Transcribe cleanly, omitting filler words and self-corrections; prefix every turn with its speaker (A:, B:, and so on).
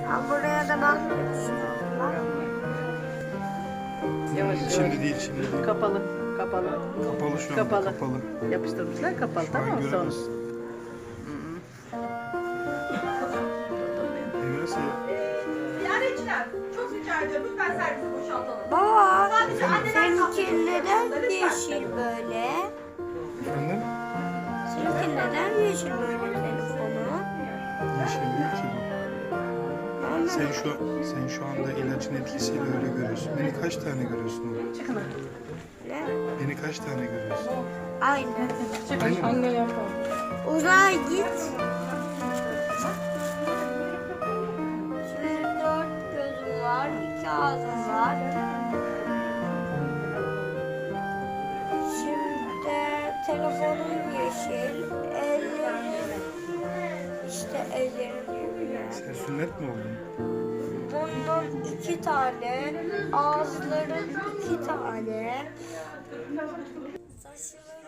A: Ha, buraya da bak.
B: Yavaş
C: Şimdi değil, şimdi değil.
B: Kapalı. Kapalı.
C: Kapalı şu anda,
B: Kapalı.
C: kapalı.
B: Yapıştırmışlar kapalı.
C: Şu
B: Tamam
C: an
B: mı? Sonra.
C: göremezsin. Nasıl ya?
D: Ziyaretçiler, çok rica ediyorum. Lütfen servisi boşaltalım.
A: Baba,
D: Sadece anneler
A: seninki neden
D: kalkıyor.
A: yeşil böyle?
C: Efendim?
A: Seninki neden yeşil böyle telefonu?
C: Yeşil değil ki bu. Sen şu anda ilacın etkisiyle öyle görüyorsun. Beni kaç tane görüyorsun oğlum?
A: Ne?
C: Beni kaç tane görüyorsun?
A: Aynı.
C: Aynı mı?
A: Uzağa git. Şimdi 4 gözüm var, 2 ağzım var. Şimdi telefonum yeşil, ellerim işte ellerim yeşil.
C: Sen sünnet mi oldun?
A: Burnum 2 tane, ağızlarım 2 tane, saçlarım